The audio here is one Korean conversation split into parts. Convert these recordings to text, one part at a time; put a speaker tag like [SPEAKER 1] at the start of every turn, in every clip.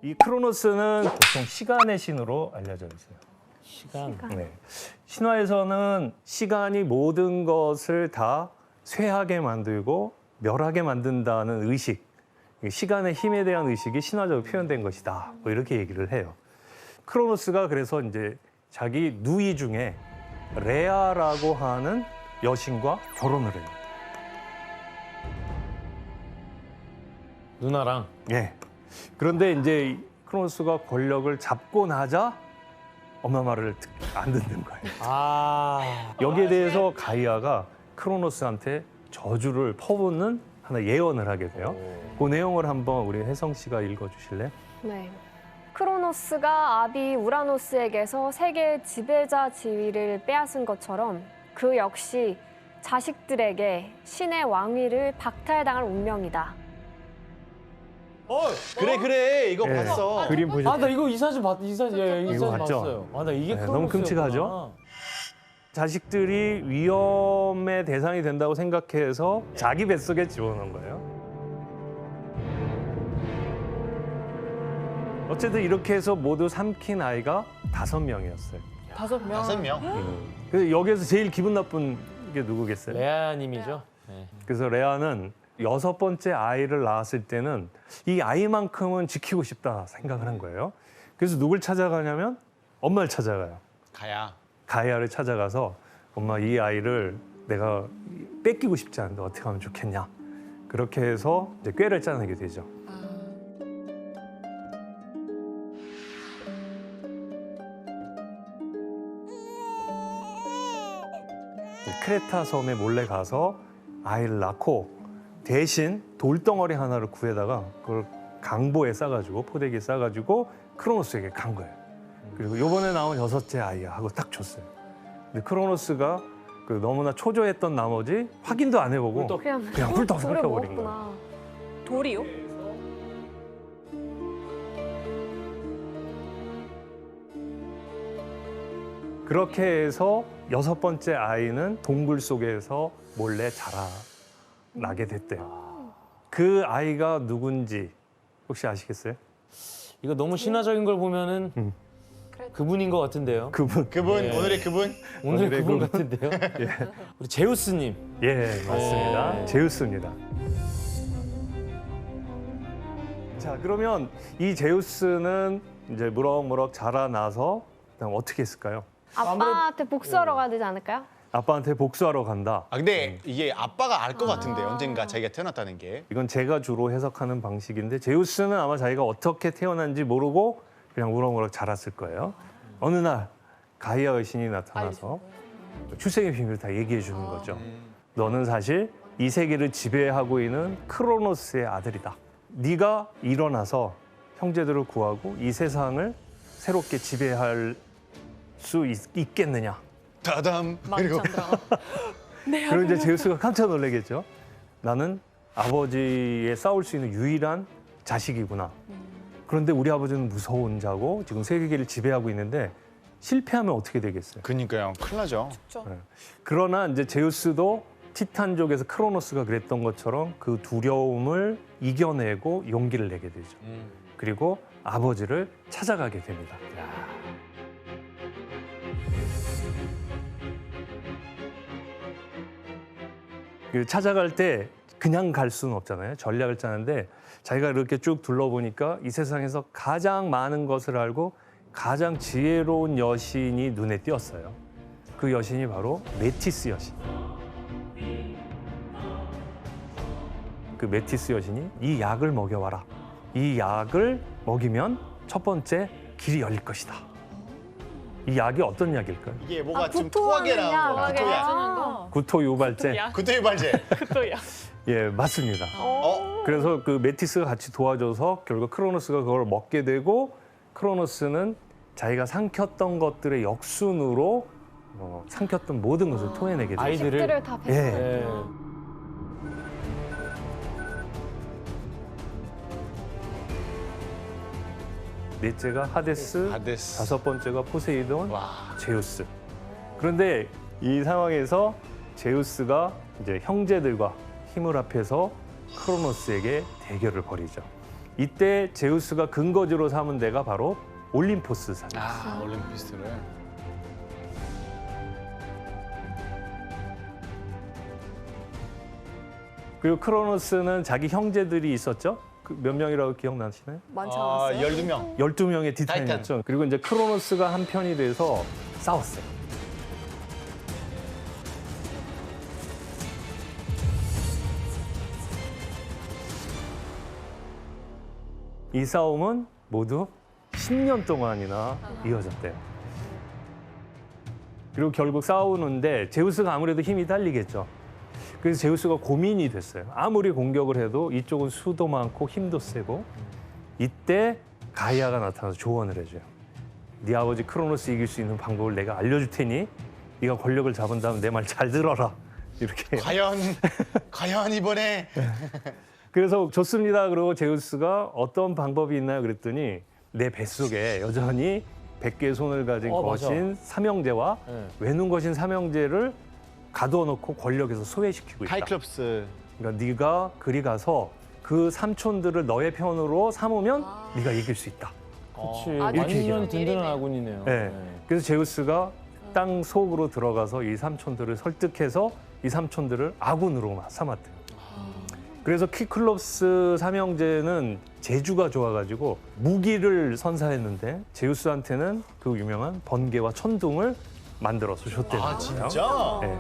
[SPEAKER 1] 이 크로노스는 보통 시간의 신으로 알려져 있어요.
[SPEAKER 2] 시간.
[SPEAKER 1] 네. 신화에서는 시간이 모든 것을 다 쇠하게 만들고 멸하게 만든다는 의식, 시간의 힘에 대한 의식이 신화적으로 표현된 것이다. 뭐 이렇게 얘기를 해요. 크로노스가 그래서 이제 자기 누이 중에 레아라고 하는 여신과 결혼을 해요.
[SPEAKER 2] 누나랑.
[SPEAKER 1] 예. 그런데 이제 이 크로노스가 권력을 잡고 나자 엄마 말을 안 듣는 거예요.
[SPEAKER 2] 아.
[SPEAKER 1] 여기에 대해서 가이아가 크로노스한테 저주를 퍼붓는 하나 예언을 하게 돼요. 그 내용을 한번 우리 혜성 씨가 읽어주실래요?
[SPEAKER 3] 네. 크로노스가 아비 우라노스에게서 세계의 지배자 지위를 빼앗은 것처럼 그 역시 자식들에게 신의 왕위를 박탈당할 운명이다.
[SPEAKER 4] 그래 이거
[SPEAKER 1] 예.
[SPEAKER 4] 봤어.
[SPEAKER 1] 그림 보셨죠?
[SPEAKER 2] 아, 나 이거 이 사진 이 사진
[SPEAKER 1] 이거 봤죠?
[SPEAKER 2] 봤어요. 아, 나 이게
[SPEAKER 1] 네,
[SPEAKER 2] 크로노스였구나.
[SPEAKER 1] 너무 끔찍하죠? 자식들이 위험의 대상이 된다고 생각해서 자기 뱃속에 집어넣은 거예요. 어쨌든 이렇게 해서 모두 삼킨 아이가 5명이었어요.
[SPEAKER 4] 5명.
[SPEAKER 1] 그래서 여기에서 제일 기분 나쁜 게 누구겠어요?
[SPEAKER 2] 레아님이죠. 네.
[SPEAKER 1] 그래서 레아는 6번째 아이를 낳았을 때는 이 아이만큼은 지키고 싶다 생각을 한 거예요. 그래서 누굴 찾아가냐면 엄마를 찾아가요.
[SPEAKER 4] 가야.
[SPEAKER 1] 가이아를 찾아가서 엄마 이 아이를 내가 뺏기고 싶지 않은데 어떻게 하면 좋겠냐. 그렇게 해서 이제 꾀를 짜내게 되죠. 크레타 섬에 몰래 가서 아이를 낳고 대신 돌덩어리 하나를 구해다가 그걸 강보에 싸가지고 포대기에 싸가지고 크로노스에게 간 거예요. 그리고 요번에 나온 6째 아이야 하고 딱 줬어요. 근데 크로노스가 그 너무나 초조했던 나머지 확인도 안 해보고 그냥 훌떡
[SPEAKER 3] 돌을
[SPEAKER 1] 삼켜버린
[SPEAKER 3] 먹었구나.
[SPEAKER 1] 거예요.
[SPEAKER 5] 돌이요?
[SPEAKER 1] 그렇게 해서 6번째 아이는 동굴 속에서 몰래 자라나게 됐대요. 그 아이가 누군지 혹시 아시겠어요?
[SPEAKER 2] 이거 너무 신화적인 걸 보면은 그분인 것 같은데요.
[SPEAKER 1] 그분.
[SPEAKER 4] 그분
[SPEAKER 2] 예.
[SPEAKER 4] 오늘의 그분.
[SPEAKER 2] 오늘
[SPEAKER 1] 오늘의
[SPEAKER 2] 그분
[SPEAKER 1] 그분.
[SPEAKER 2] 같은데요. 우리 제우스님.
[SPEAKER 1] 예, 맞습니다.
[SPEAKER 2] 네.
[SPEAKER 1] 제우스입니다. 자, 그러면 이 제우스는 이제 무럭무럭 자라나서 그다음 어떻게 했을까요?
[SPEAKER 3] 아빠한테 복수하러 가야 되지 않을까요?
[SPEAKER 1] 아빠한테 복수하러 간다.
[SPEAKER 4] 아 근데 이게 아빠가 알 것 같은데 언젠가 자기가 태어났다는 게.
[SPEAKER 1] 이건 제가 주로 해석하는 방식인데 제우스는 아마 자기가 어떻게 태어난지 모르고 그냥 무럭무럭 자랐을 거예요. 어느 날 가이아 여신이 나타나서 출생의 비밀을 다 얘기해 주는 거죠. 너는 사실 이 세계를 지배하고 있는 크로노스의 아들이다. 네가 일어나서 형제들을 구하고 이 세상을 새롭게 지배할 수 있겠느냐.
[SPEAKER 4] 다담. 그리고
[SPEAKER 1] 그럼 이제 제우스가 깜짝 놀라겠죠. 나는 아버지에 싸울 수 있는 유일한 자식이구나. 그런데 우리 아버지는 무서운 자고 지금 세계를 지배하고 있는데 실패하면 어떻게 되겠어요?
[SPEAKER 4] 그러니까요. 큰일 나죠.
[SPEAKER 1] 그러나 이제 제우스도 티탄족에서 크로노스가 그랬던 것처럼 그 두려움을 이겨내고 용기를 내게 되죠. 그리고 아버지를 찾아가게 됩니다. 그 찾아갈 때 그냥 갈 수는 없잖아요. 전략을 짜는데 자기가 이렇게 쭉 둘러보니까 이 세상에서 가장 많은 것을 알고 가장 지혜로운 여신이 눈에 띄었어요. 그 여신이 바로 메티스 여신. 그 메티스 여신이 이 약을 먹여와라. 이 약을 먹이면 첫 번째 길이 열릴 것이다. 이 약이 어떤 약일까요?
[SPEAKER 4] 이게 뭐가 좀
[SPEAKER 3] 구토하는
[SPEAKER 4] 토하게
[SPEAKER 3] 약,
[SPEAKER 4] 나온 거.
[SPEAKER 3] 구토약.
[SPEAKER 4] 구토약.
[SPEAKER 5] 주는 거.
[SPEAKER 1] 구토 유발제.
[SPEAKER 4] 구토 발제.
[SPEAKER 5] 그또야.
[SPEAKER 1] 예, 맞습니다.
[SPEAKER 4] 어?
[SPEAKER 1] 그래서 그 메티스가 같이 도와줘서 결국 크로노스가 그걸 먹게 되고 크로노스는 자기가 삼켰던 것들의 역순으로 삼켰던 모든 것을 토해내게 되죠.
[SPEAKER 2] 아이들을.
[SPEAKER 3] 식들을 다
[SPEAKER 1] 예.
[SPEAKER 3] 뱉어냈구나.
[SPEAKER 1] 넷째가 하데스,
[SPEAKER 4] 하데스.
[SPEAKER 1] 5번째가 포세이돈,
[SPEAKER 4] 와.
[SPEAKER 1] 제우스. 그런데 이 상황에서 제우스가 이제 형제들과 힘을 합해서 크로노스에게 대결을 벌이죠. 이때 제우스가 근거지로 삼은 데가 바로 올림포스 산.
[SPEAKER 4] 아, 올림피스를.
[SPEAKER 1] 그리고 크로노스는 자기 형제들이 있었죠. 그 몇 명이라고 기억나시나요?
[SPEAKER 3] 많지
[SPEAKER 4] 아,
[SPEAKER 3] 않았어요?
[SPEAKER 4] 12명.
[SPEAKER 1] 12명의 티탄이었죠. 그리고 이제 크로노스가 한 편이 돼서 싸웠어요. 이 싸움은 모두 10년 동안이나 이어졌대요. 그리고 결국 싸우는데 제우스가 아무래도 힘이 딸리겠죠. 그래서 제우스가 고민이 됐어요. 아무리 공격을 해도 이쪽은 수도 많고 힘도 세고 이때 가이아가 나타나서 조언을 해줘요. 네 아버지 크로노스 이길 수 있는 방법을 내가 알려줄 테니 네가 권력을 잡은 다음 내 말 잘 들어라. 이렇게.
[SPEAKER 4] 과연 이번에
[SPEAKER 1] 그래서 좋습니다. 그러고 제우스가 어떤 방법이 있나요? 그랬더니 내 뱃속에 여전히 100개의 손을 가진
[SPEAKER 2] 맞아.
[SPEAKER 1] 거신 삼형제와
[SPEAKER 2] 네.
[SPEAKER 1] 외눈 거신 삼형제를 가두어 놓고 권력에서 소외시키고 있다.
[SPEAKER 4] 사이클롭스.
[SPEAKER 1] 그러니까 네가 그리 가서 그 삼촌들을 너의 편으로 삼으면 네가 이길 수 있다.
[SPEAKER 2] 그렇지.
[SPEAKER 3] 아주
[SPEAKER 2] 완전
[SPEAKER 3] 중요한
[SPEAKER 2] 든든한
[SPEAKER 3] 일이네요.
[SPEAKER 2] 아군이네요.
[SPEAKER 1] 네. 그래서 제우스가 땅 속으로 들어가서 이 삼촌들을 설득해서 이 삼촌들을 아군으로 삼았대요. 그래서 키클롭스 삼형제는 재주가 좋아가지고 무기를 선사했는데 제우스한테는 그 유명한 번개와 천둥을 만들어서 줬대요.
[SPEAKER 4] 아, 진짜?
[SPEAKER 1] 네.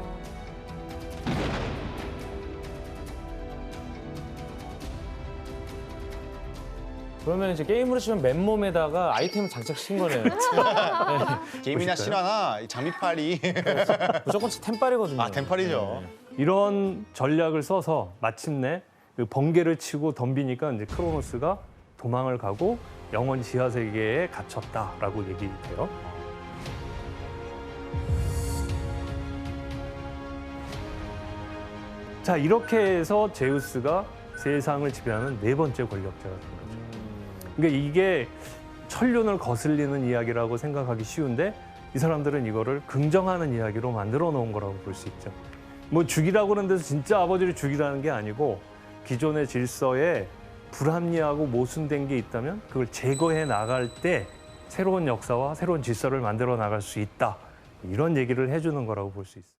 [SPEAKER 2] 그러면 이제 게임으로 치면 맨몸에다가 아이템을 장착시킨 거네요.
[SPEAKER 4] 게임이나
[SPEAKER 1] 보실까요?
[SPEAKER 4] 실화나 이 장미팔이.
[SPEAKER 2] 무조건 템빨이거든요.
[SPEAKER 4] 아, 템팔이죠.
[SPEAKER 1] 이런 전략을 써서 마침내 그 번개를 치고 덤비니까 이제 크로노스가 도망을 가고 영원 지하 세계에 갇혔다라고 얘기돼요. 자, 이렇게 해서 제우스가 세상을 지배하는 네 번째 권력자가 된 거죠. 그러니까 이게 천륜을 거슬리는 이야기라고 생각하기 쉬운데 이 사람들은 이거를 긍정하는 이야기로 만들어 놓은 거라고 볼 수 있죠. 뭐 죽이라고 그러는 데서 진짜 아버지를 죽이라는 게 아니고 기존의 질서에 불합리하고 모순된 게 있다면 그걸 제거해 나갈 때 새로운 역사와 새로운 질서를 만들어 나갈 수 있다. 이런 얘기를 해주는 거라고 볼 수 있어요.